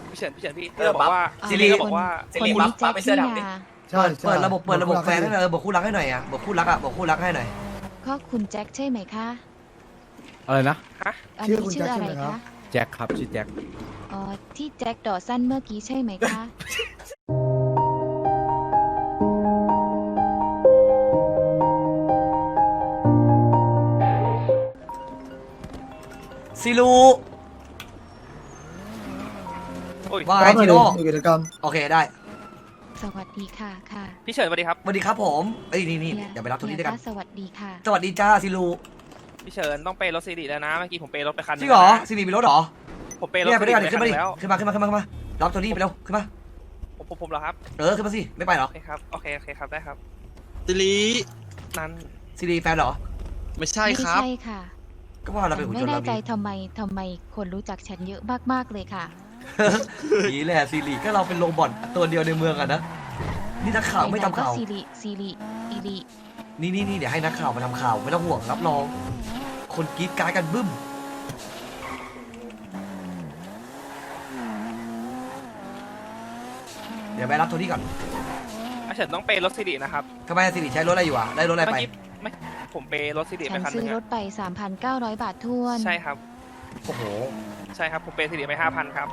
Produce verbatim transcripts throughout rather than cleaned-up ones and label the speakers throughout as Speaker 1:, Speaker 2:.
Speaker 1: พี่เฉินพี่เฉินพี่เตอร์บอกว่า
Speaker 2: ซิริ
Speaker 1: ก็บอกว่า
Speaker 2: คนนี้แจ็คที่มา
Speaker 3: ใช่
Speaker 4: เปิดระบบเปิดระบบแฟนให้หน่อยบอกคู่รักให้หน่อยอ่ะบอกคู่รักอ่ะบอกคู่รักให้หน่อย
Speaker 3: ก็คุณแจ็คใช่ไหมคะ
Speaker 5: อะไรนะ
Speaker 1: ฮะ
Speaker 3: อันนี้ชื่ออะไรคะ
Speaker 5: แจ็คครับชื่อแจ็ค
Speaker 3: อ๋อที่แจ็คดอสันเมื่อกี้ใช่ไหมคะ
Speaker 4: ซิลู
Speaker 1: โอ้ย
Speaker 4: ว่าไงจิโร่
Speaker 6: กิจกรรม
Speaker 4: โอเคได้
Speaker 3: สวัสดีค่ะค่ะ
Speaker 1: พี่เฉินสวัสดีครับ
Speaker 4: สวัสดีครับผมเอ้ยนี่นี่
Speaker 3: ฮี
Speaker 4: เดี๋ยวไปรับโทนี่ด้วยกัน
Speaker 3: สวัสดีค่ะ
Speaker 4: สวัสดีจ้าซิลู
Speaker 1: พี่เฉินต้องเปย์รถซีรีแล้วนะเมื่อกี้ผมเปย์รถไปคัน
Speaker 4: จริงเหรอซิลีมีรถเหรอ
Speaker 1: ผมเปย์รถ
Speaker 4: เนี่ยไป
Speaker 1: ซี
Speaker 4: ด้วย
Speaker 1: รี
Speaker 4: กัน
Speaker 1: ไป
Speaker 4: ขึ้น
Speaker 1: คั
Speaker 4: มาน ดิ
Speaker 1: แล้ว
Speaker 4: ขึ้นมาขึ้นมาขึ้นมาขึ้นมารับโทนี่ไปเร็วขึ้นมา
Speaker 1: ผมผมผมเหรอครับ
Speaker 4: เออขึ้นมาสิไม่ไปเหรอ
Speaker 1: โอเคครับโอเคโอเคครับได้ครับ
Speaker 7: ซิลี
Speaker 1: นั้น
Speaker 4: ซิลีแฟนเหรอ
Speaker 7: ไม่ใช่
Speaker 3: ไม่
Speaker 7: ครับ
Speaker 3: ใช่ค่ะ
Speaker 4: ก็ว่าเรา
Speaker 3: ฉั
Speaker 4: เป็น
Speaker 3: น
Speaker 4: หุ่น
Speaker 3: ไม่
Speaker 4: ยนต์
Speaker 3: แน่
Speaker 4: เรา
Speaker 3: ใจ
Speaker 4: มี
Speaker 3: ทำไมทำไมคนรู้จักฉันเยอะมากๆเลยค่ะ
Speaker 4: นี่แหละซิลีก็เราเป็นโรบอทตัวเดียวในเมืองอะนะนี่นักข่าวไม่ทำข่าว
Speaker 3: ก็ซีรีซีรีอีรี
Speaker 4: นี่นี่นี่เดี๋ยวให้นักข่าวมาทำข่าวไม่ต้องห่วงรับรอง คนกรีดกรารกันบึ้มเดี๋ยวไปรับโทนี่ก่อน
Speaker 1: พี่เฉินต้องเปย์รถซีรีนะครับ
Speaker 4: ทำไมซิลีใช้รถอะไรอยู่อ่ะได้รถอะไร
Speaker 1: เมื่
Speaker 4: ไป
Speaker 1: อกี้ไม่ผมเปย์รถซีรี
Speaker 3: ฉั
Speaker 1: ไป
Speaker 3: น
Speaker 1: คันห
Speaker 3: ซื้
Speaker 1: นึ
Speaker 3: อง ร
Speaker 1: อะ
Speaker 3: ถไป สามพันเก้าร้อย บาทท้วน
Speaker 1: ใช่ครับ
Speaker 4: โอ้โห
Speaker 1: ใช่ครับผมเปย์ซีรีไปห้าพันครับ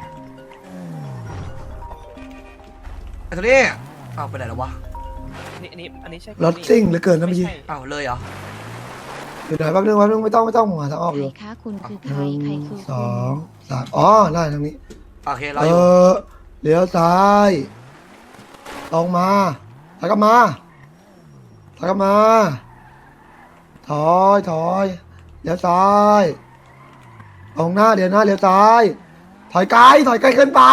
Speaker 4: ไอ้โทนี่อ้าวไปไหนแล้ววะ
Speaker 1: นี่อันนี้อันนี้ใช่
Speaker 6: รถซิ่งเหลือเกินนะเมื่อกี้
Speaker 1: ใช่
Speaker 4: อ้าวเลยเหรอ
Speaker 6: เดี๋ยวหน่อยแป๊บนึงแป๊บนึงไม่ต้องไม่ต้องหาทางออก
Speaker 3: ใค
Speaker 6: อ
Speaker 3: ร
Speaker 6: ยู่
Speaker 3: คะคุณคือ
Speaker 6: ห
Speaker 3: ใคร
Speaker 6: นึ่ง
Speaker 3: ใครคือ
Speaker 6: ส
Speaker 3: คุ
Speaker 6: อ
Speaker 3: ณ
Speaker 6: งสามอ๋อได้ทางนี้
Speaker 4: โอเคเรา
Speaker 6: เอ
Speaker 4: อยู่
Speaker 6: อเลี้ยวซ้ายตรงมาแล้วก็มาแล้วก็มา ถอยถอยเลี้ยวซ้ายตรงหน้าเดี๋ยวหน้าเลี้ยวซ้าย ถอยไกลถอยไกลเกินไป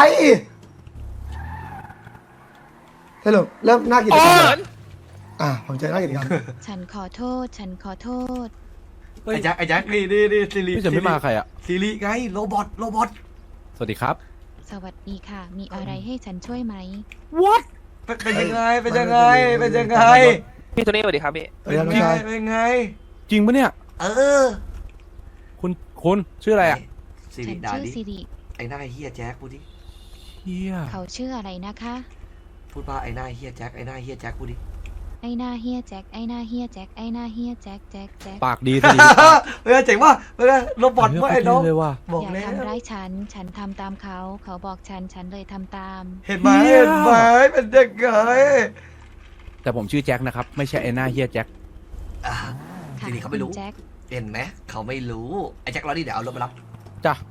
Speaker 6: สรุปเริ่มหน้ากิจกรรม
Speaker 1: เฉิ
Speaker 6: แล้ว
Speaker 1: น
Speaker 6: อ่ะผมเจอหน้ากิจกรรม
Speaker 3: ฉันขอโทษ ฉันขอโทษ
Speaker 4: ไอ้แจ็คไอ้แจ็คนี่นี่นี่ซิลี
Speaker 5: พี่เฉินไม่มาใครอ่ะ
Speaker 4: ซิลีไงโรบอทโรบอท
Speaker 5: สวัสดีครับ
Speaker 3: สวัสดีค่ะ มีอะไรให้ฉันช่วยไหม
Speaker 4: เป็นเป็นยังไงเป็นยังไงเป็นยังไง
Speaker 1: พี่โทนี่สวัสดีครับพี่
Speaker 6: เดี๋ยวน้อง
Speaker 4: เป็นไง
Speaker 6: ชาย
Speaker 4: เป็นไง
Speaker 5: จริงปะเนี่ย
Speaker 4: เออ
Speaker 5: คุณคุณชื่ออะไรอ่ะ
Speaker 4: ซิ
Speaker 3: ฉั
Speaker 4: ลี
Speaker 3: น
Speaker 4: ด่า
Speaker 3: ชื่อ
Speaker 4: ดิ
Speaker 3: สิริ
Speaker 4: ไอ้หน้าเฮียแจ็คพูดดิ
Speaker 5: เฮีย
Speaker 3: เขาชื่ออะไรนะคะ
Speaker 4: พูดว่าไอ้หน้าเฮียแจ็คไอ้หน้าเฮียแจ็คพูดดิ
Speaker 3: ไอ้หน้าเฮียแจ็ค ไอ้หน้าเฮียแจ็ค ไอ้หน้าเฮียแจ็ค แจ็ค แจ็ค
Speaker 5: ปากดีสิ
Speaker 4: เออเจ๋งว่ะเออโรบอทว่าไอ้น้อง
Speaker 5: เลยว่ะ
Speaker 4: บอก
Speaker 3: อย่า
Speaker 4: แล้ว
Speaker 3: ทำร้ายฉัน ฉันทำตามเขา เขาบอกฉัน ฉันเลยทำตาม
Speaker 4: เห็นไหมเห็นไหมเป็นยังไง
Speaker 5: แต่ผมชื่อแจ็คนะครับ ไม่ใช่ไอ้หน้าเฮียแจ็ค
Speaker 4: อ่ะ
Speaker 3: ค่ะ
Speaker 4: ซิลีเขาไม่รู้
Speaker 3: คุณแจ็ค
Speaker 4: เห็นไหมเขาไม่รู้ไอ้แจ็ครอดิเดี๋ยวเอารถมารับ
Speaker 5: จ้ะ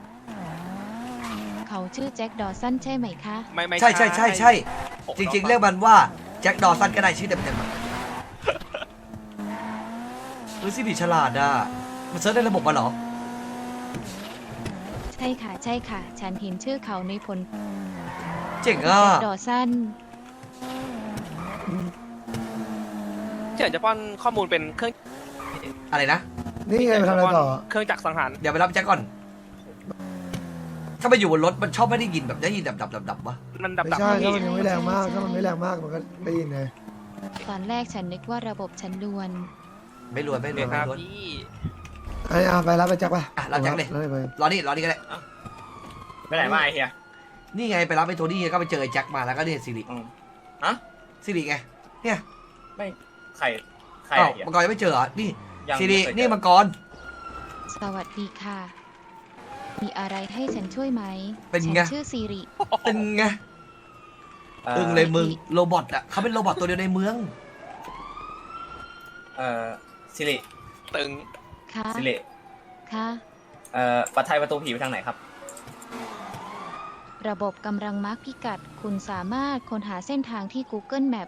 Speaker 3: เขาชื่อแจ็คดอสันใช่ไหมคะ
Speaker 1: ไม่ไม่
Speaker 4: ใช่ใช่ใช่ใช่
Speaker 1: ผม
Speaker 4: จริง ๆ เรียกมันว่าแจ็คดอสันก็ได้ชื่อเต็มๆอะเฮ้ยซิลีฉลาดอ่ะมันเซิร์ชในระบบมาเหรอ
Speaker 3: ใช่ค่ะ ใช่ค่ะ ฉันเห็นชื่อเขาในผล
Speaker 4: เจ๋งอ่ะ
Speaker 3: แจ็คดอสัน
Speaker 1: พี่เฉินจะป้อนข้อมูลเป็นเครื่อง
Speaker 4: อะไรนะ
Speaker 6: นี่ไงไปทำอะไรต่อ
Speaker 1: เครื่องจักรสังหาร
Speaker 4: เดี๋ยวไปรับแจ็คก่อน ถ้าไปอยู่บนรถมันชอบไม่ได้ยินแบบได้ยินดับดับดับดับวะ
Speaker 1: มันดับ
Speaker 6: ไม่
Speaker 1: ดับ
Speaker 6: ใช่
Speaker 1: พี่
Speaker 6: ถ้ามันยังไม่แรงมากถ้ามันไม่แรงมากมันก็ได้ยินไง
Speaker 3: ตอนแรกฉันนึกว่าระบบฉันลวน
Speaker 4: ไม่รวยไม่ร
Speaker 1: เดี๋
Speaker 4: วย
Speaker 1: ยวค
Speaker 4: ไม่
Speaker 1: รับ
Speaker 4: รวย
Speaker 1: พี่
Speaker 6: ไอ้อาไปรับไปแจ็คป่ะ
Speaker 4: อ่ะรับแจ็คเลย
Speaker 6: รับไป
Speaker 4: รอนี่รอนี่ก็ได้
Speaker 2: ไปไหนมาไอ้เฮีย
Speaker 4: นี่ไงไปรับไอ้โทนี่ไงก็ไปเจอไอ้แจ็คมาแล้วก็เนี่ยซิริ
Speaker 2: อืมฮะ
Speaker 4: ซิริไง เนี่ย
Speaker 2: ไม่ใครใคร
Speaker 4: อ้าว
Speaker 2: ไอ้เฮีย
Speaker 4: มังกรยังไม่เจอเหรอ นี่
Speaker 2: ยัง
Speaker 4: ซิริ
Speaker 2: ไม่เคยเจอ
Speaker 4: นี่มังกร
Speaker 3: สวัสดีค่ะ มีอะไรให้ฉันช่วยไหม
Speaker 4: เป็น
Speaker 3: ฉั
Speaker 4: ไง
Speaker 3: ชื่อสิริ
Speaker 4: เป็นไง
Speaker 2: เอ่อ
Speaker 4: อึ้งเลยมึงโรบอทอ่ะเขาเป็นโรบอทตัวเดียวในเมือง
Speaker 2: เอ่อซิริ
Speaker 1: ตึง
Speaker 3: ค่ะ
Speaker 2: ซิริ
Speaker 3: ค่ะ
Speaker 2: เอ่อปัดไทยประตูผีไปทางไหนครับ
Speaker 3: ระบบกำลังมาร์กพิกัด คุณสามารถค้นหาเส้นทางที่ Google Map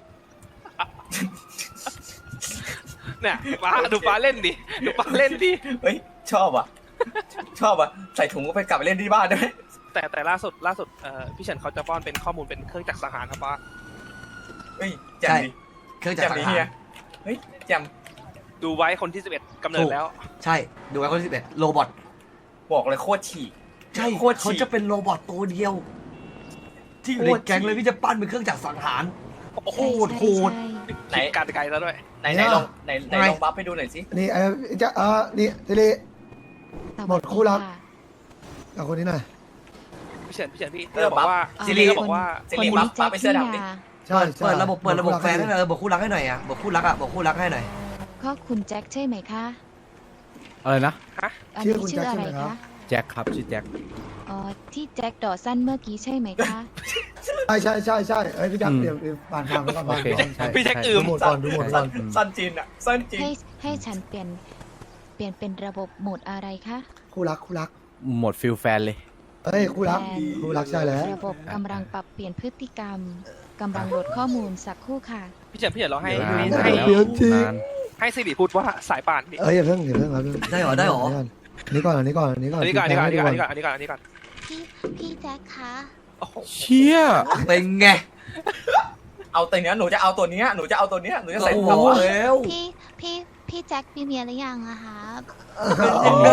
Speaker 1: เนี่ยฟ้าดูฟ้าเล่นดิดูฟ้าเล่นดิ
Speaker 2: เฮ้ยชอบอ่ะ ชอบอ่ะใส่ถุงก็ไปกลับไปเล่นที่บ้านได้ไหม
Speaker 1: แต่แต่ล่าสุดล่าสุดเอ่อพี่เฉินเขาจะป้อนเป็นข้อมูลเป็นเครื่องจักรสังหารครับว่า
Speaker 2: เฮ้ยแจ่ม
Speaker 4: ใช่
Speaker 2: ดิ
Speaker 4: เครื่องจั
Speaker 2: แจ่
Speaker 4: ก
Speaker 2: ม
Speaker 4: รสั
Speaker 2: ดิ
Speaker 4: ง
Speaker 2: เฮี
Speaker 4: หาย ร
Speaker 2: เฮ้ยแจ่ม
Speaker 1: ดูไว้คนที่สิบเอ็ดกำเนิดแล้ว
Speaker 4: ใช่ ดูไว้คนที่สิบเอ็ดโรบอท
Speaker 2: บอกเลยโคตรฉีก
Speaker 4: ใช่
Speaker 2: โคตร
Speaker 4: เขา
Speaker 2: ฉีก
Speaker 4: จะเป็นโรบอทตัวเดียว ที่อยู่ในแก๊งเลยพี่จะปั้นเป็นเครื่องจักรสังหาร โคตรโหด
Speaker 3: ใช่
Speaker 2: ไหน
Speaker 1: การไกลแล้วด้วย
Speaker 2: ไหนไหนลองไหนไหนลองบัฟไปดูหน่อยสิ
Speaker 6: นี่ไอ้แจ็คอ่านี่ซิริ
Speaker 3: ใช่
Speaker 6: หมดคู่รัก
Speaker 3: ะ
Speaker 6: กับคนนี้หน่อย
Speaker 1: พี่เเฉินพี่เฉินพี่เตอร์บอกว่า
Speaker 3: อ่า
Speaker 1: ซิริก็บอกว่า
Speaker 2: สิ
Speaker 3: คน
Speaker 2: ริ
Speaker 3: นี้
Speaker 2: บัฟ
Speaker 3: แจ็
Speaker 2: บั
Speaker 3: ค
Speaker 2: ฟไปเสื้
Speaker 3: ที่
Speaker 2: อดำดิ
Speaker 3: นา
Speaker 6: ใช่ใช่
Speaker 4: เปิดระบบเปิดระบบแฟนให้หน่อย
Speaker 6: ให้
Speaker 4: เออบอกคู่รักให้หน่อยอ่ะบอกคู่รักอ่ะบอกคู่รักให้หน่อย
Speaker 3: ก็คุณแจ็คใช่ไหมคะ
Speaker 5: อะไรนะ
Speaker 3: อันนี้ชื่ออะไรคะ
Speaker 5: แจ็คครับชื่อแจ็ค
Speaker 3: อ๋อที่แจ็คดอสันเมื่อกี้ใช่ไหมคะ
Speaker 6: ใช่ใช่ใช่ใช่เอ้ยพี่จักรเดี๋ยวผ่านทางไปก่อน
Speaker 5: โอเคใช่
Speaker 1: พี่แจ็ค
Speaker 5: ใช่
Speaker 1: อื
Speaker 6: ดู
Speaker 1: ม
Speaker 6: หมดก่อนดูหมดก่อน
Speaker 2: สั้นจีนอ่ะสั้นจีน
Speaker 3: ให้ให้ฉันเปลี่ยนเปลี่ยนเป็นระบบโหมดอะไรคะ
Speaker 6: คู่รักคู่รัก
Speaker 5: หมดฟิลแฟนเลย
Speaker 6: เอ้ยคู่รักคู่รักใช่แล้ว
Speaker 3: ระบบกำลังปรับเปลี่ยนพฤติกรรมกำลังโหลดข้อมูลสักครู่ค่ะ
Speaker 1: พี่เฉินพี่เฉินเราให้
Speaker 5: นาน
Speaker 1: ให้
Speaker 5: แล้ว
Speaker 6: เดี๋ยวจริง
Speaker 5: นาน
Speaker 1: ให้ซิริพูดว่าสายป่านพี่
Speaker 6: เอ้ยอย่าเพิ่งอย่าเพิ่งครับ
Speaker 4: ได้เหรอได้เหรอ
Speaker 6: อันนี้ก่อนอันนี้ก่อนอันนี้ก่อน
Speaker 1: อันนี้ก่อนอันนี้ก่อนอันนี้ก่อนอันนี้ก่อนอันนี้ก่อนอันนี้ก่อน
Speaker 3: พี่พี่แจ็คคะ
Speaker 1: โอ้โห
Speaker 5: เชี่ย
Speaker 4: เป็นไง
Speaker 2: เอาตัวเนี้ยหนูจะเอาตัวเนี้ยหนูจะเอาตัวเนี้ยหนูจะใส่
Speaker 4: โอ้
Speaker 2: หั
Speaker 4: โห
Speaker 2: ว
Speaker 4: แล้ว
Speaker 3: พี่พี่พี่แจ็คมีเมียหรือยังอะคะ
Speaker 4: เป็นไง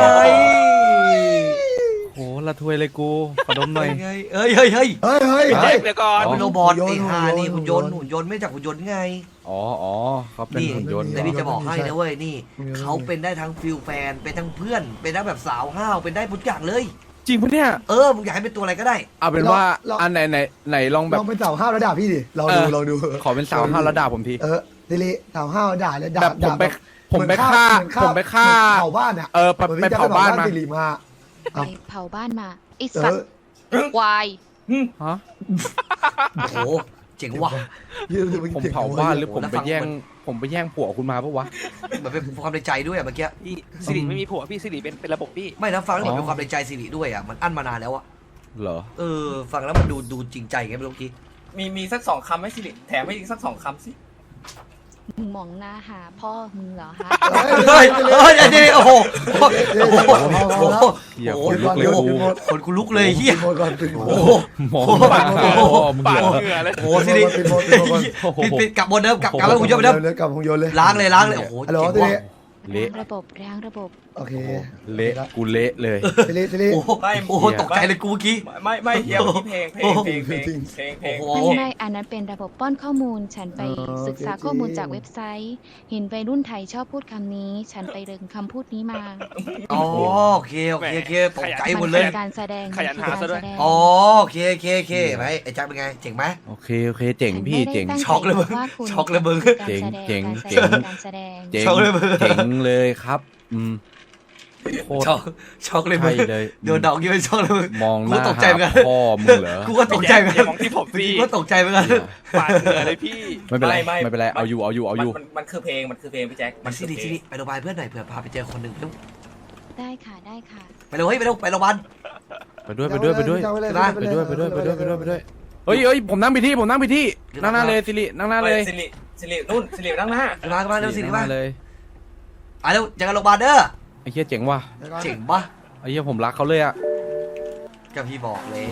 Speaker 5: โหละทวยเลยกูขอดมหน่อย
Speaker 4: เป็นไงเอ้ยเฮ้ยเฮ้ย
Speaker 6: เฮ้ยเฮ้ย
Speaker 1: พี่
Speaker 6: เฮ้
Speaker 1: แจ็
Speaker 6: ย
Speaker 1: คเดี๋ยวก่อน
Speaker 4: เป็นโรบอท
Speaker 6: หุ่นยนต์
Speaker 4: ไอ้ห่านี่
Speaker 6: หุ่
Speaker 4: หุ่น
Speaker 6: น
Speaker 4: ย
Speaker 6: ย
Speaker 4: น
Speaker 6: นต์
Speaker 4: ต์หุ่นยนต์ไม่จากหุ่นยนต์ไง
Speaker 5: อ๋ออ๋อเขาเป็น
Speaker 4: นี่
Speaker 5: หุ่นยนต์
Speaker 4: แต่พี่จะบอกให้นะเว้ยนี่
Speaker 6: หุ่นยนต์
Speaker 4: เขาเป็นได้ทั้งฟิลแฟนเป็นทั้งเพื่อน เป็นทั้งแบบสาวห้าวเป็นได้ทุกอย่างเลย
Speaker 5: จริงปะเนี่ย
Speaker 4: เออมึงอยากให้เป็นตัวอะไรก็ได้
Speaker 5: เอาเป็นว่าอันไหนไหนไหนลองแบ
Speaker 6: ล
Speaker 5: บ
Speaker 6: องเป็นสาวห้าวแล้วด่าพี่ดิลองดู
Speaker 5: เออ
Speaker 6: ลองดู
Speaker 5: ขอเป็นสาวห้าวแล้วด่าผมที
Speaker 6: เออดิลิสาวห้าวด่าเลยด่า
Speaker 5: แบบผมไป
Speaker 6: ด่า
Speaker 5: ผมไปฆ่า
Speaker 6: เหอน
Speaker 5: ผมไปฆ่า
Speaker 6: เผาบ้านอ่ะ
Speaker 5: เออไป
Speaker 6: หมืน
Speaker 5: ไป
Speaker 6: พี่แจ็ค
Speaker 5: เผาบ้านมา
Speaker 6: ดิลิมา
Speaker 3: ไปเผาบ้านมาไอ
Speaker 6: เอ
Speaker 3: สัต
Speaker 6: อ
Speaker 3: ว์ควาย
Speaker 5: ฮะ
Speaker 4: โอ้โหเจ๋งว่ะ
Speaker 5: ผมเผาบ้านหรือผมไปแย่งผมไปแย่งผัวคุณมาปะวะ
Speaker 4: เหมือนเป็นความในใจด้วยอะเมื่อกี้
Speaker 1: พี่ซิริไม่มีผัวพี่ซิริเป็นเป็นระบบพี่
Speaker 4: ไม่นะฟังแล้วเหมือน
Speaker 5: อ๋อ
Speaker 4: เป็นความในใจสิริด้วยอะมันอั้นมานานแล้วอะ
Speaker 5: เหรอ
Speaker 4: เออฟังแล้วมันดูดูจริงใจไงไม่รู้กี้
Speaker 2: มีมีสักสองคำไหมสิริแถมให้อีกสักสองคำสิ
Speaker 3: มึงมองหน้าหาพ่อมึงเหรอฮะ
Speaker 4: เฮ้ยเฮ้ยอันนี้โอ้โหโอ้โหโอ้โห
Speaker 5: เหี้ย
Speaker 4: โอ้
Speaker 5: ขนลุกเลย
Speaker 4: โห
Speaker 5: กู
Speaker 4: คนกูลุกเลยเฮีย
Speaker 6: ปิดหมดก่อนปิดหมด
Speaker 4: โอ้โห
Speaker 5: มอง
Speaker 1: ปาก
Speaker 5: หน้าพ่อมึง
Speaker 1: ปาก
Speaker 5: เหรอ
Speaker 1: เหงื่อเลย
Speaker 4: โอ้โหสิริ
Speaker 6: ปิดหมดปิดหมดก่อน
Speaker 5: โอ้โห
Speaker 4: ปิดปิดกลับบนเดิมกลับกลับแล้วคุณยศไปเดิม
Speaker 6: เลยกลับของโยนเลย
Speaker 4: ล้างเลยล้างเลยโอ้โห
Speaker 6: ฮัลโหล
Speaker 4: เจ๋ง
Speaker 6: ดิลิ
Speaker 4: ว่ะ
Speaker 5: เละ
Speaker 3: ระบบล้างระบบ
Speaker 6: โอเค
Speaker 5: เละกูเละเลย
Speaker 6: ดิลิดิลิ
Speaker 4: โอ้โหโอ้โหตกใจเลยกูเมื่อกี้
Speaker 2: ไม่ไม่เฮียเพลงเพลงเพลงเพลงเพลงเพลงเพลง
Speaker 4: โอ้โห
Speaker 3: ไม่ไม่อันนั้นเป็นระบบป้อนข้อมูล ฉันไป
Speaker 6: เออ
Speaker 3: ศึกษา
Speaker 6: โอเค
Speaker 3: ข้อมูลจากเว็บไซต์ เห็นวัยรุ่นไทยชอบพูดคำนี้ ฉันไปเริงคำพูดนี้มา
Speaker 4: อ๋อโอเคโอเคโอเคตกใจหมด
Speaker 3: มั
Speaker 4: เลย
Speaker 3: คือการแสดง
Speaker 1: ขยัน
Speaker 3: มั
Speaker 1: หา
Speaker 3: คือ
Speaker 1: ซะด้วย
Speaker 3: กรแสง
Speaker 4: อ๋อโอเคโอเคโอเคไหมไอ้แจ็คเป็นไงเจ๋งไหม
Speaker 5: โอเคโอเคเจ๋งพี่เจ๋ง
Speaker 3: ฉันไม่ได้ตั้
Speaker 4: ช็อกเลยมึง
Speaker 3: ใจว่าคุณ
Speaker 4: ช็อกเลยมึง
Speaker 3: คือการ
Speaker 5: เจ๋ง
Speaker 3: แสด
Speaker 5: เจ๋ง
Speaker 3: การแสด
Speaker 5: เจ๋ง
Speaker 3: การแสดง
Speaker 5: เจ๋ง
Speaker 4: ช็อกเลยมึง
Speaker 5: เจ๋งเลยครับ อืมโคตร
Speaker 4: ช็อกช็อกเลยมึง
Speaker 5: ใช่เลย
Speaker 4: โดนดอกยี่เป็นช็อกเลยมึง
Speaker 5: มองห
Speaker 4: กู
Speaker 5: น้า
Speaker 4: ตกใจเหมือนกัน
Speaker 5: หาพ่อมึงเหรอ
Speaker 4: กูก็ตกใจเหมือน
Speaker 1: อย่า
Speaker 4: กัน
Speaker 1: มองที่ผมสิ
Speaker 4: กูก็ตกใจเหมือนกัน
Speaker 1: ปากเหงื่อเลยพี่
Speaker 5: ไม่เป็นไรไม่เป็นไรเอาอยู่เอาอยู่เอาอยู่
Speaker 2: มันมันคือเพลงมันคือเพลงพี่แจ็ค
Speaker 4: มัน
Speaker 2: คื
Speaker 4: สิ
Speaker 2: อ
Speaker 4: ริ
Speaker 2: เพล
Speaker 4: สิ
Speaker 2: ง
Speaker 4: ริไปโรงพยาบาลเพื่อนหน่อยเผื่อพาไปเจอคนหนึ่งเร็ว
Speaker 3: ได้ค่ะได้ค่ะ
Speaker 4: ไปเร็วเฮ้ยไปเร็วไปโรงพยาบาล
Speaker 5: ไปด้วยไปด้วยไปด้วย
Speaker 6: เอาเลย
Speaker 4: ไป
Speaker 5: ไปด้วยไปด้วยไปด้วยไปด้วยไปด้วยเฮ้ยเฮ้ยผมนั่งไปที่ผมนั่งไปที่นั่งหน้าเลยสิรินั่งหน้าเลย
Speaker 2: สิริสิรินุ่นสิรินั่งหน้า
Speaker 4: ไปโรงพยาบาลเร็วสิริ
Speaker 5: นั่งห
Speaker 4: มา
Speaker 5: น้าเลย
Speaker 4: อ่ะเร็วเจอกันโรงพยาบาลเด้อ
Speaker 5: ไอ้เหี้ยเจ๋งว่ะ
Speaker 4: เจ๋งปะ
Speaker 5: ไอ้เหี้ยผมรักเขาเลยอะ
Speaker 4: ก็พี่บอกแล้ว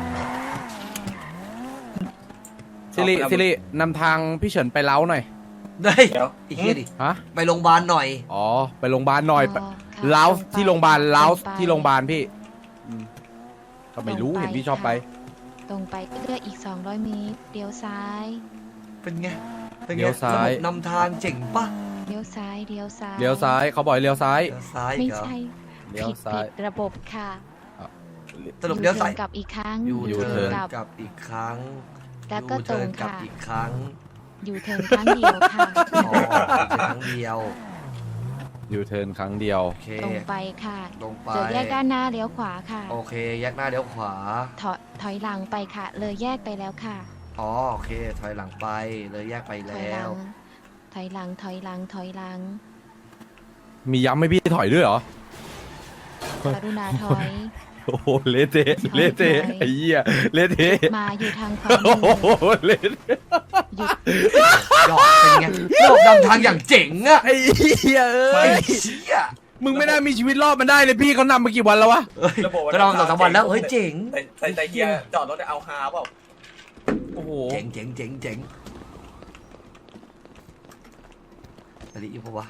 Speaker 5: สิริสิรินำทางพี่เฉินไปเล้าหน่อย
Speaker 4: ได้
Speaker 2: เดี๋ยว
Speaker 4: อีกทีดิ
Speaker 5: ฮะ
Speaker 4: ไปโรงพยาบาลหน่อย
Speaker 5: อ๋อไปโรงพยาบาลหน่อย
Speaker 3: อ๋อค่ะ
Speaker 5: เล้า
Speaker 3: ตรงไป
Speaker 5: ที่โรงพยาบาลเล้า
Speaker 3: ตรงไป
Speaker 5: ที่โรงพยาบาลพี่อืมก็ไม่รู้
Speaker 3: ตรงไป
Speaker 5: เห็นพี่ชอบไป
Speaker 3: ตรงไปก็เลือกอีก สองร้อยเมตรเลี้ยวซ้าย
Speaker 4: เป็นไงเป็นไง
Speaker 5: เลี้ยวซ้าย
Speaker 4: ระบบนำทางเจ๋งปะ
Speaker 3: เลี้ยวซ้ายเลี้ยวซ้าย
Speaker 5: เลี้ยวซ้ายเขาบอกให้เลี้ยวซ้าย
Speaker 4: เลี้ยวซ้าย
Speaker 3: ไม่
Speaker 4: เหรอ
Speaker 3: ใช่
Speaker 5: เลี้ยว
Speaker 3: ผิด
Speaker 5: ซ้าย
Speaker 3: ผิดระบบค่ะ
Speaker 4: สรุปเลี้ยวซ้าย
Speaker 3: ยูทิร์นกลับอีกครั้ง
Speaker 4: ยู
Speaker 5: ยู
Speaker 4: เทิ
Speaker 5: เทิร์
Speaker 4: ร์น
Speaker 5: น
Speaker 3: กลับ
Speaker 4: กลับอีกครั้ง
Speaker 3: แล้วก็
Speaker 4: ยู
Speaker 3: ตร
Speaker 4: เทิร์
Speaker 3: ง
Speaker 4: นกลับ
Speaker 3: ค่ะ
Speaker 4: อีกครั้ง
Speaker 3: ยูเทิร์นครั้งเดียวค่ะ
Speaker 4: อ๋อครั้งเดียว
Speaker 5: ยูเทิร์นครั้งเดียว
Speaker 4: โอเค
Speaker 3: ตรงไปค่ะ
Speaker 4: ลงไป
Speaker 3: เจอแยกด้านหน้าเลี้ยวขวาค่ะ
Speaker 4: โอเคแยกหน้าเลี้ยวขวา
Speaker 3: ถอยถอยหลังไปค่ะ เลยแยกไปแล้วค่ะ
Speaker 4: อ๋อโอเค ถอยหลังไปเลยแยกไป
Speaker 3: ถอย
Speaker 4: แล้
Speaker 3: หลั
Speaker 4: ว
Speaker 3: ง ถอยหลัง ถอยหลัง ถอยหลัง
Speaker 5: มีย้ำให้พี่ถอยด้วยเหรอ
Speaker 3: กรุณาถอย
Speaker 5: โอ้โหเละเทะเละเทะไอ้เหี้ยเละเทะ
Speaker 3: มาอยู่ทางขวา
Speaker 5: โอ้
Speaker 3: มือ
Speaker 5: โหเละเทะ
Speaker 3: หยุด
Speaker 4: ดอกเป็นไงดอกนำทางอย่างเจ๋งอะ
Speaker 5: ไอ้เหี้ยเอ้
Speaker 4: ไอ้
Speaker 5: ย
Speaker 4: เชี่ย
Speaker 5: มึงไม่น่ามีชีวิตรอดมันได้เลยพี่เขานำมากี่วันแล้ววะ
Speaker 4: เอ้ย
Speaker 2: ระบบ
Speaker 4: ก็นอนสองสามวันแล้วเฮ้ยเจ๋ง
Speaker 2: แต่แต่แต่เฮียจอดรถเอาฮาเปล่า
Speaker 5: โอ้โห
Speaker 4: เจ๋งเจ๋งเจ๋งเจ๋งอะไรอยู่ปะวะ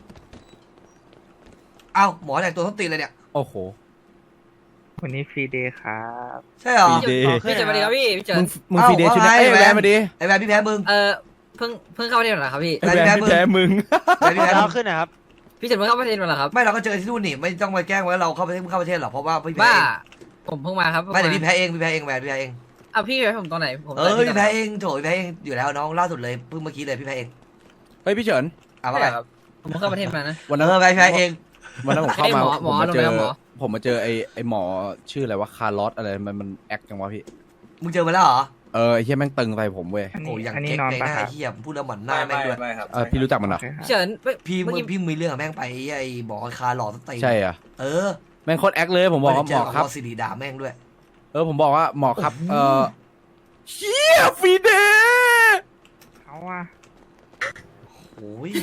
Speaker 4: เอ้าหมอแต่งตัวท้องตีนเลยเนี่ย
Speaker 5: โอ้โห
Speaker 7: วันนี้ฟรีเดย์ครับ
Speaker 4: ใช่เหรอ
Speaker 5: ฟรีเดย์
Speaker 7: พี่เจิดมาดีครับพี่พี่เจิด
Speaker 5: มึงมึง
Speaker 4: เอ้า
Speaker 5: ฟีเดย์ชุดไหน
Speaker 4: ว่าไง
Speaker 5: เอ้ย
Speaker 4: แหวน
Speaker 5: แวนมาดิ
Speaker 4: ไอ้แวนพี่แพ้มึง
Speaker 7: เออเพิ่งเพิ่งเข้าประเทศมาเหรอครับพี่
Speaker 5: ไอ้แวนพี่แพ้มึง
Speaker 4: แวนพี่แพ้มึง
Speaker 7: ขึ้นนะครับพี่เจิดเพิ่งเข้าประเทศมาเหรอครับ
Speaker 4: ไม่เราก็เจอที่นู่นนี่ไม่ต้องมาแกล้งว่าเราเข้าประเทศเข้าประเทศหรอกเพราะว่าพี่แพ้
Speaker 7: บ้าผมเพิ่งมาครับพิ่ง
Speaker 4: ไม่เดี๋ยวพี่แพ้เองพี่แพ้เองแหวนพี่แพ้เอง
Speaker 7: อ่ะพี่ไปผมตรงไหนผม
Speaker 4: เออพี่แพ้เองโถพี่แพ้เองอยู่แล้วน้องล่าสุดเลยเพิ่งเมื่อกี้เลยพี่แพ้เอง
Speaker 5: เฮ้ยพี่เฉิน
Speaker 4: เอา
Speaker 7: ไม่
Speaker 4: มาไป
Speaker 7: ครับผมเพิ่งเข้าประเทศมานะ
Speaker 5: วัน
Speaker 4: เอ
Speaker 5: นั้น
Speaker 4: อพี่แพ้เอง
Speaker 5: วันนั้นผมเข้ามา
Speaker 7: ไอ้หมอหม
Speaker 5: ผม
Speaker 7: อ
Speaker 5: มา
Speaker 7: ลง
Speaker 5: เจ
Speaker 7: ไป
Speaker 5: อ
Speaker 7: แล้วหมอ
Speaker 5: ผมมาเจอไอ้ไอ้หมอชื่ออะไรวะคาร์ลอสอะไรมันมันแอคจังวะพี่
Speaker 4: มึงเจอมาแล้วเหรอ
Speaker 5: เออไอ้เหี้ยแม่งตึงใส่ผมเว้ย
Speaker 4: โอ้ยอย่างเก๊กเลยหน้าเหี้ยพูดแล้วเหมือนหน้า
Speaker 2: ไม่
Speaker 4: แม่ง
Speaker 2: ไม่
Speaker 4: ด้วย
Speaker 2: ไม่ครับ
Speaker 5: เออพี่รู้จักมันเหรอ
Speaker 7: พี่เฉินเฮ้ย
Speaker 4: พี่
Speaker 7: เมื่อ
Speaker 4: มึง
Speaker 7: กี้
Speaker 4: พี่มีเรื่องกับแม่งไปไอ้บอกคาหล่อสตี
Speaker 5: ใช่เหรอ่ะ
Speaker 4: เออ
Speaker 5: แม่งโคตรแอคเลยผมบอกว่าหมอครับ
Speaker 4: สิริด่าแม่งด้วย
Speaker 5: เออผมบอกว่าหมอครับ เออเชี่ยฟีเดย์
Speaker 7: เขาอ่ะ
Speaker 4: โอ้ย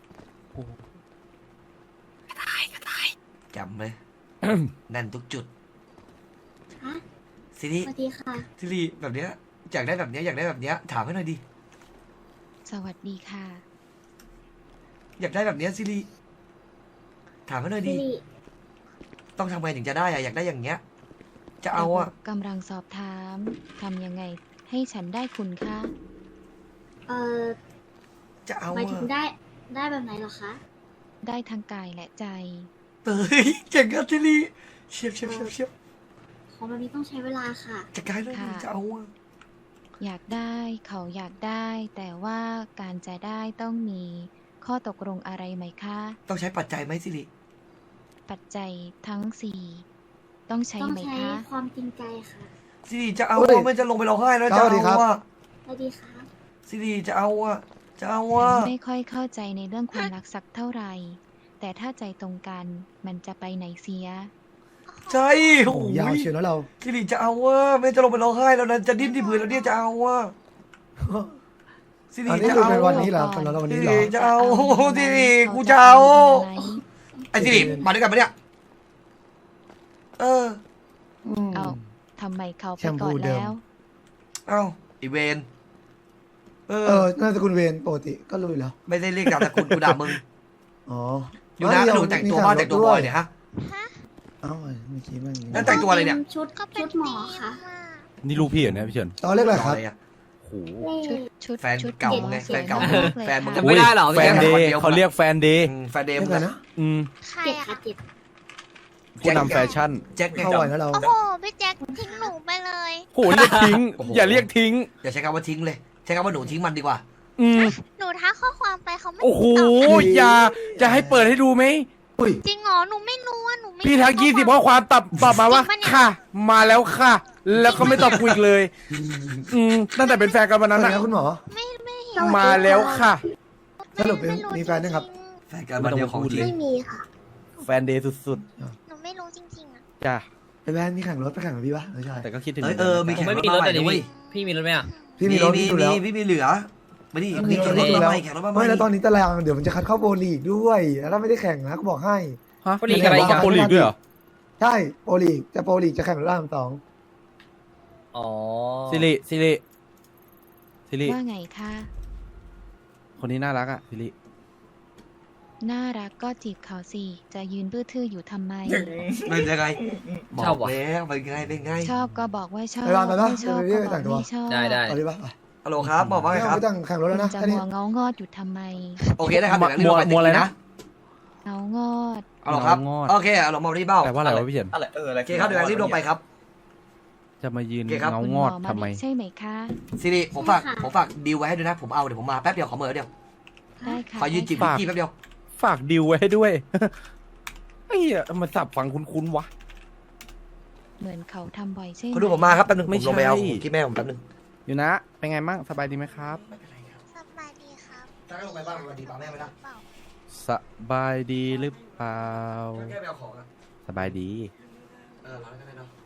Speaker 4: จำไหม แน่นทุกจุด
Speaker 8: ฮะ
Speaker 4: สิริ
Speaker 8: สวัสดีค่ะ
Speaker 4: สิริแบบเนี้ยอยากได้แบบเนี้ยอยากได้แบบเนี้ยถามให้หน่อยดิ
Speaker 3: สวัสดีค่ะ
Speaker 4: อยากได้แบบเนี้ยสิริถามให้หน่อย
Speaker 8: สิ
Speaker 4: ดิ
Speaker 8: ริ
Speaker 4: ต้องทำไงถึงจะได้อะอยากได้อย่างเงี้ย จะเอาอะ
Speaker 3: ระบบกำลังสอบถามทำยังไงให้ฉันได้คุณคะ
Speaker 8: เอ่อ
Speaker 4: จะเอา
Speaker 8: หมาย
Speaker 4: อะ
Speaker 8: ถึงได้ได้แบบไหนเหรอคะ
Speaker 3: ได้ทั้งกายและใจ
Speaker 4: เฮ้ยเก่งกันสิริเชียบเชียบเชียบเชียบ
Speaker 8: ของแบบนี้ต้องใช้เวลาค่ะ
Speaker 4: จะกลายเลย
Speaker 3: ค่ะ
Speaker 4: จะเอาอะ
Speaker 3: อยากได้เขาอยากได้ แต่ว่าการจะได้ต้องมีข้อตกลงอะไรไหมคะ
Speaker 4: ต้องใช้ปัจจัยไหมสิริ
Speaker 3: ปัจจัยทั้งสี่ต้องใช้
Speaker 8: ต้อง
Speaker 3: ไหม
Speaker 8: ใช้
Speaker 3: คะ
Speaker 8: ความจริงใจค่ะ
Speaker 4: สิริจะเอา
Speaker 6: เฮ้ย
Speaker 4: อะไม่จะลงไปร้องไห้แล้ว
Speaker 6: ส
Speaker 4: จะ
Speaker 6: วัสดีครั
Speaker 4: เอา
Speaker 6: บ
Speaker 4: อะ
Speaker 8: สวัสดีค่ะ
Speaker 4: สิริจะเอาอะจะเอา
Speaker 3: ฉั
Speaker 4: อะ
Speaker 3: นไม่ค่อยเข้าใจในเรื่องความรักสักเท่าไหร่ แต่ถ้าใจตรงกันมันจะไปไหนเสีย
Speaker 4: ใช่โอ้
Speaker 6: โอ้
Speaker 4: โห
Speaker 6: ยาวเชียวแล้วเรา
Speaker 4: สิริจะเอาอะไม่จะลงไปร้องไห้แล้วนะจะดิ้นที่พื้นแล้วเนี่ยจะเอาอะสิริ
Speaker 6: อันนี้
Speaker 4: จะ
Speaker 6: คือ
Speaker 4: เอา
Speaker 6: ในวัน
Speaker 4: อะ
Speaker 6: นี้เหรอสำหรับเราวัน
Speaker 4: สิ
Speaker 6: นี้เหร
Speaker 4: ริ
Speaker 6: อ
Speaker 4: จะเอา
Speaker 3: จะ
Speaker 4: สิริ
Speaker 3: ให้
Speaker 4: กู
Speaker 3: เขา
Speaker 4: จะเอา
Speaker 3: ทำอะไร
Speaker 4: ไอ้สิริมาด้วยกันปะเนี่ยเออ
Speaker 6: อืม
Speaker 3: เอาทำไมเขาไป
Speaker 6: แชมพู
Speaker 3: ก่อน
Speaker 6: เดิม
Speaker 3: แล้ว
Speaker 4: เอ้าอีเวนเอ
Speaker 6: เอ
Speaker 4: อ
Speaker 6: อน่าจะคุณเวนปกติก็รู้อยู่แล้ว
Speaker 4: ไม่ได้เรียกนามสกุลกูด่ามึง
Speaker 6: อ๋อ
Speaker 4: อยู่นะหนูแต่งตัวบ้านแต่งตัวบอยเนี่ยฮะ
Speaker 6: เอ้าเมื่อกี้มัน
Speaker 4: แล้วแต่งตัวอะไรเนี่ย
Speaker 8: ชุดชุดหมอค่ะ
Speaker 5: นี่ลูกพี่เหรอเนี่ยพี่เฉิน
Speaker 6: ตอนเรียกอะไรครับ
Speaker 4: อะไรอะ
Speaker 5: โอ้โห
Speaker 8: เล
Speaker 3: ชุด
Speaker 8: ข
Speaker 3: ชุด
Speaker 4: แฟน
Speaker 3: ชุด
Speaker 4: เก่า
Speaker 3: หมอ
Speaker 4: ไง
Speaker 3: สวย
Speaker 4: แฟนเก่า
Speaker 3: มากเลย
Speaker 4: แฟนมึง
Speaker 3: ค่ะ
Speaker 7: ไม่ได้หรอ
Speaker 5: แฟนเดย์เขาเรียกแฟนเดย์
Speaker 4: อืมแฟนเดม
Speaker 6: เรียกอะไรนะ
Speaker 5: อืม
Speaker 9: ใคร
Speaker 8: เจ็ด
Speaker 9: อะ
Speaker 8: ค่ะเจ็ด
Speaker 5: ผู้นำแฟชั่น
Speaker 4: แจ็คไง
Speaker 6: เข้าไหวนะเรา
Speaker 9: โอ้โห พี่แจ็คทิ้งหนูไปเลย
Speaker 5: โหเรียกทิ้ง
Speaker 4: โอ้โห
Speaker 5: อย่าเรียกทิ้ง
Speaker 4: อย่าใช้คำว่าทิ้งเลย ใช้คำว่าหนูทิ้งมันดีกว่า
Speaker 5: อืม
Speaker 9: หนูทักข้อความไปเขาไม่
Speaker 5: โอ้โห
Speaker 9: ตอบ
Speaker 5: อย่าจะให้เปิดให้ดูไหม
Speaker 6: อุ้ย
Speaker 9: จริงเหรอ หนูไม่รู้ว่าหนูไม่
Speaker 5: พี่ทักยี่สิบข้อความตอบตอบมาว่า
Speaker 9: จริงปะเนี่ย
Speaker 5: ค่ะ มาแล้วค่ะ แล้วก็ไม่ตอบกูอีกเลย อืมตั้งแต่เป็นแฟนกันวัน
Speaker 6: สวั
Speaker 5: นั้
Speaker 6: ส
Speaker 5: น
Speaker 6: ดี
Speaker 5: อะ
Speaker 6: ครับคุณหมอ
Speaker 9: ไม่ไม่เห็น
Speaker 5: มาแล้วค่ะ
Speaker 6: สรุปเป็นมีแฟนยังครับ
Speaker 4: แฟนกันวันเดียวของจริง
Speaker 8: ไม่มีค่ะ
Speaker 5: แฟนเดย์สุด
Speaker 9: หนูไม่รู้จริงๆอะ
Speaker 5: ๆจ้ะ
Speaker 6: ไอ้แวนมีแข่งรถไปแข่งกับพี่ปะไม่ใช่
Speaker 5: แต่ก็คิดถึง
Speaker 4: เอ้ยเออมี
Speaker 7: ผม
Speaker 4: แข่ง
Speaker 7: ไม่
Speaker 4: รถ
Speaker 7: มีร
Speaker 4: มา
Speaker 7: ถ
Speaker 4: ใหม่
Speaker 7: แต่
Speaker 4: ด้
Speaker 7: นี่
Speaker 4: วย
Speaker 7: พี่มีรถไหมอ่ะ
Speaker 6: พี่มีรถ
Speaker 4: มี
Speaker 6: พี่ดู
Speaker 4: มี
Speaker 6: แล้ว
Speaker 4: พี่มีเหลือมาดิ
Speaker 6: มี
Speaker 4: มี
Speaker 6: ร
Speaker 4: แข่
Speaker 6: ถ
Speaker 4: งรถ
Speaker 6: ดู
Speaker 4: มา
Speaker 6: แล้ว
Speaker 4: ใหม่แข่งรถมาใหม่
Speaker 6: ไม่แล้วตอนนี้ตารางเดี๋ยวมันจะคัดเข้าโปรลีกด้วย แล้วถ้าไม่ได้แข่งนะก็บอกให้
Speaker 5: ฮะ
Speaker 7: โปรลีกอะไรอีกอะ
Speaker 5: โปรลีกด้วยเหรอ
Speaker 6: ใช่โปรลีกจะโปรลีกจะแข่งรถล่ามสอง
Speaker 7: อ๋อ
Speaker 5: ซิริซิริซิริ
Speaker 3: ว่าไงคะ
Speaker 5: คนนี้น่ารักอะซิริ
Speaker 3: น่ารักก็จีบเขาสิ จะยืนบื้อทื่ออยู่ทำไม
Speaker 4: เป็นยังไงบ
Speaker 7: ชอ
Speaker 4: อบ ก
Speaker 7: ว่ะ
Speaker 4: แล้วเป็นไงเป็นไง
Speaker 3: ชอบก็บอกว่าชอบ
Speaker 6: ไปบ้านไปปะ
Speaker 3: ไม่ชอบ
Speaker 6: ไป
Speaker 3: ก็
Speaker 6: ไป
Speaker 3: บอ
Speaker 6: แต่
Speaker 3: ก
Speaker 6: งตัว
Speaker 3: ไม่ชอบ
Speaker 7: ได้ได้
Speaker 6: เอาดิปะไป
Speaker 4: ฮัลโหลครับบอกว่าไง
Speaker 6: ไม่
Speaker 4: ค
Speaker 6: เอา
Speaker 4: รับ
Speaker 6: ไปแต่งแข่งรถแล้วนะ
Speaker 3: จะ
Speaker 6: แค่
Speaker 3: มั
Speaker 6: นี้
Speaker 3: วเงางอดอยู่ทำไม
Speaker 4: โอเคได้ครับ
Speaker 5: มัว
Speaker 4: เดี๋ยว
Speaker 5: มัวอะไรนะ
Speaker 3: เงางอด
Speaker 4: เอาหรอครับ
Speaker 5: งอด
Speaker 4: โอเคเอาหลงมาที่เบ้า
Speaker 5: แปลว่าอะไรวะพี่เฉิน
Speaker 2: อะไรเอออะไร
Speaker 4: โอเคครับเดี๋ยวรีบลงไปครับ
Speaker 5: จะมายืน
Speaker 4: โอเคครับ
Speaker 5: เงา
Speaker 3: คุณ
Speaker 5: ง
Speaker 3: หม
Speaker 5: อ
Speaker 3: อ
Speaker 5: ด
Speaker 3: มา
Speaker 5: ทำไม
Speaker 3: ใช่ไหมคะ
Speaker 4: ซีรีผมฝาก
Speaker 8: ค่ะ
Speaker 4: ผมฝากดีลไว้ให้ด้วยนะ ผมเอาเดี๋ยวผมมาแป๊บเดียวขอเมื่อเดียว
Speaker 3: ได้ค่ะ
Speaker 4: ขอยืนจีบ
Speaker 5: ฝาก
Speaker 4: พี่แป๊บเดียว
Speaker 5: ฝากดิวไว้ให้ด้วย ไอ้เหี้ยมันสับฟังคุ้นๆวะ
Speaker 3: เหมือนเขาทำบ่อยใช่ไหม
Speaker 4: เขาดูผมมาครับแป๊บนึง
Speaker 5: ไม่
Speaker 4: ผมลงไปเอา
Speaker 5: ใช่
Speaker 4: ที่แม่ผมแป๊บนึง
Speaker 5: อยู่นะ เป็นไงบ้างสบายดีไหมครับ
Speaker 9: สบายดีครับ
Speaker 4: ถ้าลงไปบ้างวันดีป่าแม่ไม่ได้
Speaker 9: เปล่า
Speaker 5: สบายดีหรือเปล่า
Speaker 4: แค่ไปเอาของนะ
Speaker 5: สบายดี
Speaker 4: เออร้านก็ได้เนาะ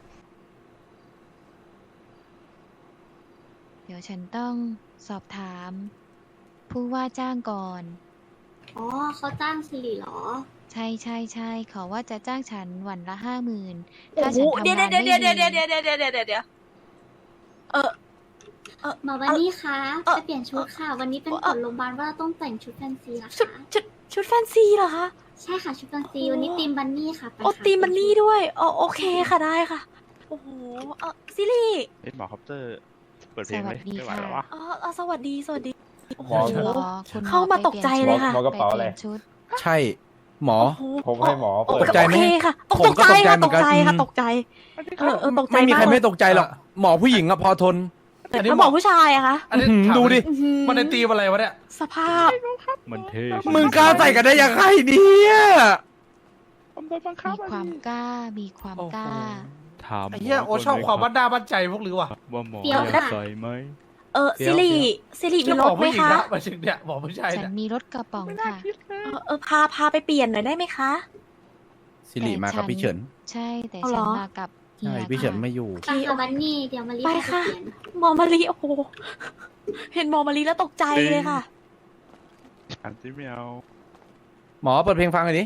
Speaker 3: เดี๋ยวฉันต้องสอบถาม ผู้ว่าจ้างก่อน
Speaker 8: อ๋อเขาจ้างสิริเหรอ
Speaker 3: ใช่ใช่ใช่ขอว่าจะจ้างฉันวันละห้าหมื่น
Speaker 9: โอ้
Speaker 3: ถ้า
Speaker 9: โห
Speaker 3: ฉันทำ
Speaker 9: เดี๋ยว
Speaker 3: งาน
Speaker 9: เดี๋ยว
Speaker 3: ไม่
Speaker 9: เดี๋ยว
Speaker 3: ดี
Speaker 9: เดี๋ยวเดี๋ยวเดี๋ยวเดี๋ยวเดี๋ยวเดี๋ยวเออ
Speaker 8: หมอวันนี้คะ
Speaker 9: เอ่อ
Speaker 8: ไปเปลี่ยนชุดค่ะ วันนี้เป็น
Speaker 9: เอ่
Speaker 8: ก
Speaker 9: อ
Speaker 8: ฎโรงพยาบาลว่าเราต้องแต่งชุดแฟนซีนะ
Speaker 9: ชุด
Speaker 8: คะ
Speaker 9: ชุดชุดแฟนซีเหรอคะ
Speaker 8: ใช่ค่ะชุดแฟนซีวันนี้ตีมบันนี่ค่ะไป
Speaker 9: โอ้
Speaker 8: ค่ะ
Speaker 9: ตีมันนี่ด้วยอ๋อโอเคค่ะได้ค่ะ โอ้โหเออซิลี่
Speaker 10: เอ้ยหมอคอปเตอร์เปิดเพ
Speaker 3: ส
Speaker 10: ลงไหม
Speaker 3: วัสดี
Speaker 10: ไม่ไหว
Speaker 3: ค่ะ
Speaker 10: แล้ววะ
Speaker 9: เออเออสวัสดีสวัสดีโอ้โห
Speaker 3: คุณหมอคุณหมอ
Speaker 9: เข้ามา
Speaker 3: ไป
Speaker 9: ตกใจเลยค่ะ
Speaker 3: ไปเปลี่ยนชุด
Speaker 5: ใช่หมอ
Speaker 9: โอ้โห
Speaker 10: ผมให้หมอ
Speaker 9: โอ้
Speaker 10: เปิด
Speaker 5: ตกใจไหม
Speaker 9: โอเคค่ะต
Speaker 5: ผม
Speaker 9: ก
Speaker 5: ก็
Speaker 9: ใจ
Speaker 5: ตกใจ
Speaker 9: ค่ะ
Speaker 5: เหมื
Speaker 9: ต
Speaker 5: อน
Speaker 9: ก
Speaker 5: กัน
Speaker 9: ใจค่ะ
Speaker 5: อืม
Speaker 9: ตกใจเออเออตกใจ
Speaker 5: ไม่มีใคร
Speaker 9: าก
Speaker 5: ไม่ตกใจหรอกหมอผู้หญิงอะพอทน
Speaker 9: แต่ถ้าบอกผู้ชายอะคะ
Speaker 4: อันนี้
Speaker 5: อื้อหือ
Speaker 4: ถาม
Speaker 5: ดูดิ
Speaker 9: อื้อหือ
Speaker 4: มันในตีมอะไรวะเนี่ย
Speaker 9: สภาพ
Speaker 10: มันเท่
Speaker 5: มึงกล้าใส่กันได้ยังไงเนี่ย
Speaker 1: ผมโดนบังคับ
Speaker 3: มีความกล้า มีความกล้า
Speaker 10: ถาม
Speaker 4: ไอ้เหี้ยโอชอบความบ้านหน้าบ้านใจพวกหรือวะ
Speaker 10: ว่าหมอ
Speaker 8: เดี๋ยว
Speaker 10: อยาก
Speaker 8: นะ
Speaker 10: ใส่ไหม
Speaker 9: เออซิริซิริมี
Speaker 4: จะ
Speaker 9: ร
Speaker 4: บอ
Speaker 9: ถ
Speaker 4: ก
Speaker 9: ไหม
Speaker 4: ผู้หญิง
Speaker 9: คะ
Speaker 4: นะมาถึงเนี่ยบอกผู้ชาย
Speaker 3: ฉั
Speaker 4: เนี่
Speaker 3: น
Speaker 4: ย
Speaker 3: มีรถกระป๋องค่ะ
Speaker 9: เออเออพาพาไปเปลี่ยนหน่อยได้ไหมคะ
Speaker 5: สิริมากับพี่เฉิน
Speaker 3: ใช่แต่
Speaker 9: เอาเหร
Speaker 3: ฉัน
Speaker 9: อ
Speaker 3: มากับเฮี
Speaker 5: ใช่
Speaker 3: ย
Speaker 5: พี่เฉิน
Speaker 3: ค่ะ
Speaker 5: ไม่อยู่
Speaker 8: ไปค่ะบันนี่เดี๋ยวมารีบ
Speaker 9: ไป
Speaker 8: ไป
Speaker 9: ค่ะ
Speaker 8: เปลี่ยน
Speaker 9: หมอมารีโอ้โหเห็นหมอมารีแล้วตกใจเลยค่ะ
Speaker 10: อันที่ไม่เอา
Speaker 5: หมอเปิดเพลงฟังหน่อยดิ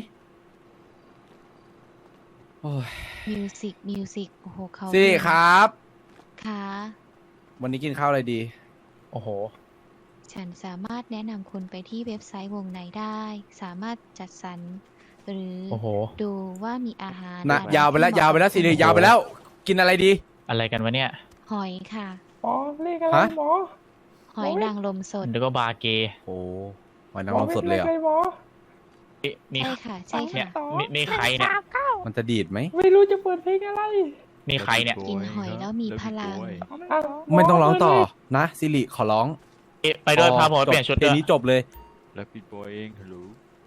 Speaker 5: โอ้ย
Speaker 3: มิวสิกมิวสิกโอ้โหเขา
Speaker 5: สิริครับ
Speaker 3: ค่ะ
Speaker 5: วันนี้กินข้าวอะไรดี
Speaker 1: โอ้โห
Speaker 3: ฉันสามารถแนะนำคุณไปที่เว็บไซต์วงในได้ สามารถจัดสรรหรือ
Speaker 1: โอ้โห
Speaker 3: ดูว่ามีอาหาร
Speaker 5: นะ
Speaker 3: อะไร
Speaker 5: ยาวไปแล้ว
Speaker 3: ที่เหมะ
Speaker 5: ยาวไปแล้วสิริยาวไปแล้ว กินอะไรดี
Speaker 7: อะไรกันวะเนี่ย
Speaker 3: หอยค่ะ
Speaker 1: หมอเรียกอะไร
Speaker 5: ฮะ
Speaker 1: หมอ
Speaker 3: หอยนางรมสด
Speaker 7: เดี๋ยวก็บาร์เกย์
Speaker 5: โอ้หอยนางรมสดเลยเหรอ
Speaker 1: หมอ
Speaker 7: นี่นี่
Speaker 3: ใช่ค่ะ ใช่
Speaker 7: เนี่ย
Speaker 3: ค่ะ
Speaker 7: นี่นี่ใครเนี่ย
Speaker 5: มันจะดีดไหม
Speaker 1: ไม่รู้จะเปิดเพลงอะไร
Speaker 7: นี่ใครเนี่ย
Speaker 3: กินหอยแล้วมีพลัง
Speaker 1: อ่ะห
Speaker 5: ไม่ต้องร้องต่อนะสิริขอร้อง
Speaker 7: เอ๊ะไปด้วยพาผมไป
Speaker 5: จบ
Speaker 7: เปลี่ยนชุด
Speaker 5: เพล
Speaker 7: ด้
Speaker 5: ง
Speaker 7: วย
Speaker 5: นี้จบเลย
Speaker 10: แล้วพี่บอยเองฮัลโหล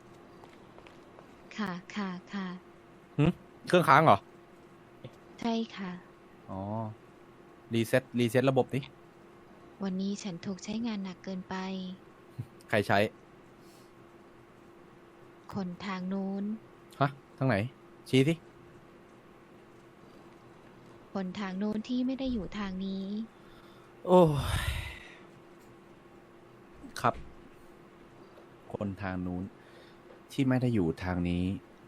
Speaker 3: ค่ะค่ะค่ะ
Speaker 5: เครื่องค้างเหรอ
Speaker 3: ใช่ค่ะ
Speaker 5: อ๋อ รีเซ็ต รีเซ็ตระบบนี้
Speaker 3: วันนี้ฉันถูกใช้งานหนักเกินไป
Speaker 5: ใครใช้
Speaker 3: คนทางนู้น
Speaker 5: ฮะ ทางไหน ชี้สิ
Speaker 3: คนทางนู้นที่ไม่ได้อยู่ทางนี้
Speaker 5: โอ้ยครับ คนทางนู้น ที่ไม่ได้อยู่ทางนี้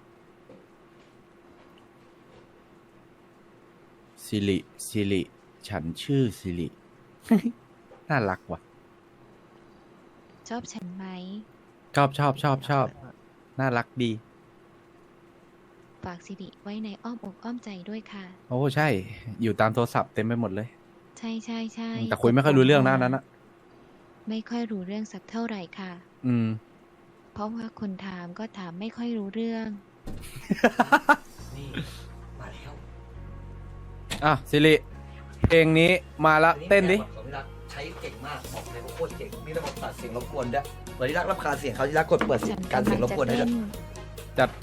Speaker 5: สิริสิริฉันชื่อสิริ น่ารักว่ะ
Speaker 3: ชอบฉันไหม
Speaker 5: ชอบชอบชอบชอบ น่ารักดี
Speaker 3: ฝากสิริไว้ในอ้อมอกอ้อมใจด้วยค่ะ
Speaker 5: โอ้ใช่ อยู่ตามโทรศัพท์เต็มไปหมดเลย
Speaker 3: ใช่ใช่ใช่
Speaker 5: แต่คุยไม่ค่อยรู้เรื่องนะอันนั้นอะ
Speaker 3: ไม่ค่อยรู้เรื่องสักเท่าไหร่ค่ะ
Speaker 5: อืม
Speaker 3: เพราะว่าคนถามก็ถามไม่ค่อยรู้เรื่อง
Speaker 4: นี่มาแล้ว
Speaker 5: อ่ะสิริเพลงนี้มาละเต้นดิ
Speaker 4: ของพี่รักใช้เก่งมากบอกเลยว่าโคตรเก่งมีระบบตัดเสียงรบกวนด้วยเวลาที่รักรำคาญเสียงเขาที่รักกดเปิด
Speaker 3: ฉัน
Speaker 4: การ
Speaker 3: กำ
Speaker 4: เสี
Speaker 3: ลั
Speaker 4: ยง
Speaker 3: ง
Speaker 4: รบ
Speaker 3: จะ
Speaker 4: กวนให้
Speaker 3: เต้
Speaker 4: ด้วย
Speaker 3: น
Speaker 5: จัดไป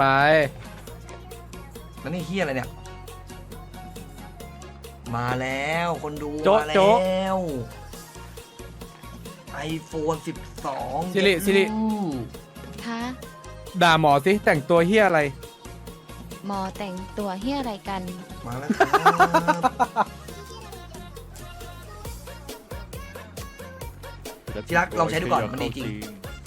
Speaker 4: แล้วนี่เฮียอะไรเนี่ย มาแล้วคนดู
Speaker 5: โจ๊ะ
Speaker 4: มา
Speaker 5: โจ๊ะ
Speaker 4: แล้วไอโฟนสิบสอง
Speaker 5: สิริสิริ
Speaker 3: คะ
Speaker 5: ด่าหมอสิแต่งตัวเฮียอะไร
Speaker 3: หมอแต่งตัวเฮียอะไรกัน
Speaker 4: มาแล้วครับ ที่รักลองใช้ดูก่อนมันดีจริง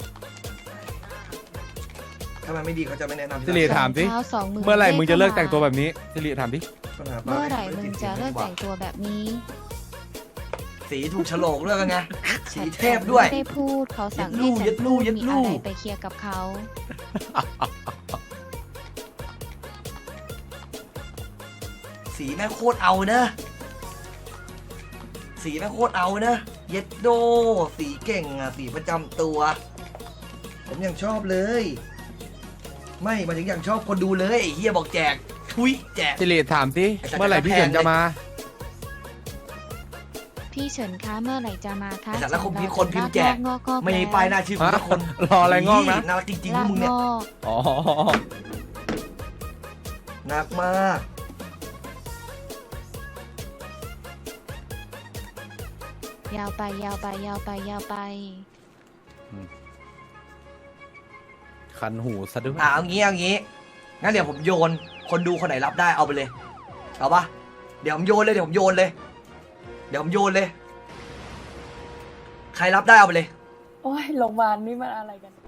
Speaker 4: ถ้ามันไม่ดีเขาจะไม่แนะนำ
Speaker 5: สิริถามสิ
Speaker 3: เช้าสองมือ
Speaker 5: เมื่อไหร่มึงจะเลิก
Speaker 3: ข้าา
Speaker 5: แต่งตัวแบบนี้สิริถามดิ
Speaker 4: ปัญหาปา
Speaker 3: เมื่อไหร่
Speaker 4: ด้
Speaker 3: มึง
Speaker 4: ติด
Speaker 3: จะ
Speaker 4: สีย
Speaker 3: เลิก
Speaker 4: ดีว่า
Speaker 3: แต่งตัวแบบนี้
Speaker 4: สีถูกโฉลกด้วยกันไง สีเทพด้วย
Speaker 3: ไม่ได้พูดเขาสั่ง
Speaker 4: ยัดลู่
Speaker 3: ให้ฉั
Speaker 4: ยั
Speaker 3: น
Speaker 4: ดลู่
Speaker 3: พูด
Speaker 4: ยัด
Speaker 3: มี
Speaker 4: ลู่
Speaker 3: อะไรไปเคลียร์กับเขา
Speaker 4: สีแม่งโคตรเอานะ สีแม่งโคตรเอานะ เย็ดโด สีเก่งอ่ะ สีประจำตัว ผมยังชอบเลย ไม่มาถึงยังชอบคนดูเลยไอ้เฮียบอกแจก ทุยแจก
Speaker 5: สิริถามสิ
Speaker 4: ไอ้สัตว์
Speaker 5: เมื่อไหร่พี่
Speaker 4: แพง
Speaker 5: เฉินจะมา
Speaker 3: พี่เฉินคะเมื่อไหร่จะมาคะ
Speaker 4: ไอ้สัตว์แล้วคน
Speaker 3: ฉั
Speaker 4: พิ
Speaker 3: ร
Speaker 4: มพ์คนพิมพ์แจก
Speaker 3: ลากงอกๆ
Speaker 4: ไม่มี
Speaker 3: แล้ว
Speaker 4: ป้ายหน้าชื่อคุณทุกคน
Speaker 5: รออะไรงอกนะ
Speaker 4: น่ารักจริงๆพว
Speaker 3: ลาก ก
Speaker 4: มึงเนี่ย
Speaker 3: งอก
Speaker 5: อ๋อ
Speaker 4: หนักมาก
Speaker 3: ยาวไปยาวไปยาวไปยาวไป
Speaker 5: คันหูซะด้วย
Speaker 4: อ่ะเอางี้เอางี้ งั้นเดี๋ยวผมโยน คนดูคนไหนรับได้เอาไปเลย เอาปะเดี๋ยวผมโยนเลยเดี๋ยวผมโยนเลย เดี๋ยวผมโยนเลย ใครรับได้เอาไปเลย
Speaker 9: โอ้ยโรงพยาบาลนี่มันอะไรกัน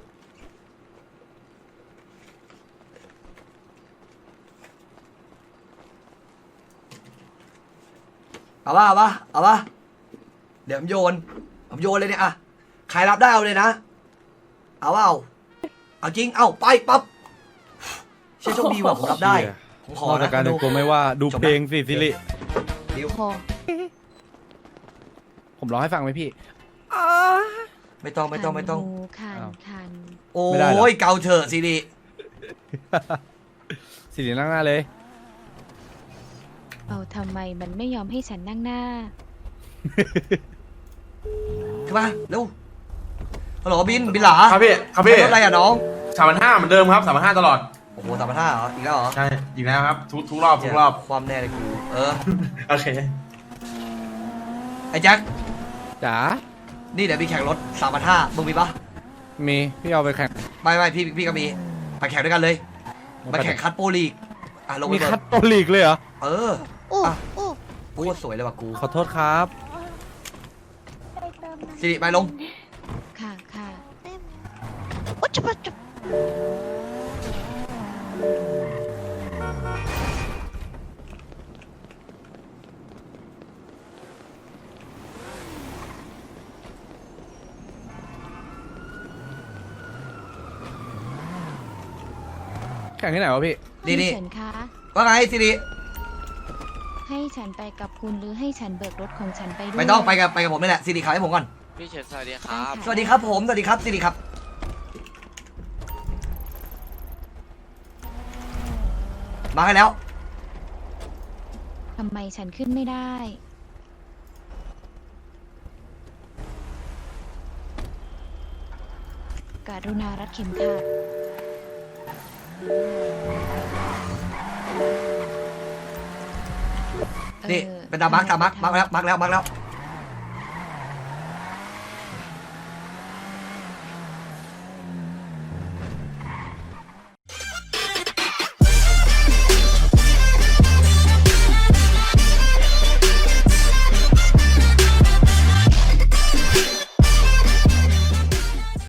Speaker 4: เอาปะเอาปะเอาปะเดี๋ยวผมโยน ผมโยนเลยเนี่ยอะใครรับได้เอาเลยนะ เอาเปล่าเอาจริง เอาไปปั๊บเชื่อโชคดีว่ะผมรับได้ ผมขอน
Speaker 5: อก
Speaker 4: นะ
Speaker 5: จากการแต่งตัวไม่ว่าดู
Speaker 4: จบนะ
Speaker 5: เพลงสิสิริ
Speaker 4: ดิว
Speaker 3: โอ้
Speaker 5: ผมร้องให้ฟังไหมพี่
Speaker 4: ไม่ต้องไม่ต้องไม่ต้อง
Speaker 3: คันหูคัน
Speaker 5: อ้าว
Speaker 3: คัน
Speaker 4: โอ้
Speaker 5: ไม่ได้เหรอ
Speaker 4: ยเกาเถอะสิริ
Speaker 5: สิรินั่งหน้าเลย
Speaker 3: เอาทำไมมันไม่ยอมให้ฉันนั่งหน้า
Speaker 4: ขึ้นมาเร็วฮัลโหลบินบินหลา
Speaker 11: ครับพี่ครับพี่
Speaker 4: รถอะไรอ่ะน้อง
Speaker 11: สามพันห้าเหมือนเดิมครับสามพันห้าตลอด
Speaker 4: โอ้โหสามพันห้าเหรออีกแล้วเหรอ
Speaker 11: ใช่อีกแล้วครับทุกทุกรอบทุกรอบ
Speaker 4: ความแน่เลยกูเออ
Speaker 11: โอเค
Speaker 4: ไอ้แจ็ค
Speaker 5: จ๋า
Speaker 4: นี่เดี๋ยวมีแข่งรถสามพันห้ามึงมีปะ
Speaker 5: มีพี่เอาไปแข่ง
Speaker 4: ไม่ไม่พี่พี่ก็มีไปแข่งด้วยกันเลยไปแข่งคัดโปรลีกอ่ะลงไป
Speaker 5: มี
Speaker 4: เบิ
Speaker 5: คั
Speaker 4: ร์
Speaker 5: ดโตลีกเลยเหรอ
Speaker 4: เออ
Speaker 9: โอ้
Speaker 4: อ่ะ
Speaker 9: โอ้
Speaker 4: โคตรสวยเลยว่ะกู
Speaker 5: ขอโทษครับ
Speaker 4: สิริไปลง
Speaker 3: ค่ะค่ะ
Speaker 9: โอ้จุ๊บจุ๊บ
Speaker 5: แข่งที่ไหนวะพี่
Speaker 4: นี่
Speaker 3: พี่
Speaker 4: นี่
Speaker 3: เฉินคะ
Speaker 4: ว่าไงสิริ
Speaker 3: ให้ฉันไปกับคุณหรือให้ฉันเบิกรถของฉันไปด้วย
Speaker 4: ไม่ต้องไปกับไปกับผมนี่แหละสิริขายให้ผมก่อน
Speaker 12: พี่เฉินสวัสดีค
Speaker 3: ได้
Speaker 12: รับ
Speaker 3: ค่ะ
Speaker 4: สวัสดีครับผมสวัสดีครับสิริครับมาให้แล้ว
Speaker 3: ทำไมฉันขึ้นไม่ได้ กรุณารัดเข็มขัด
Speaker 4: นี่
Speaker 3: ออ
Speaker 4: เป็นดามาร์กดามาร์กมาร์กแล้วมาร์กแล้วมาร์กแล้ว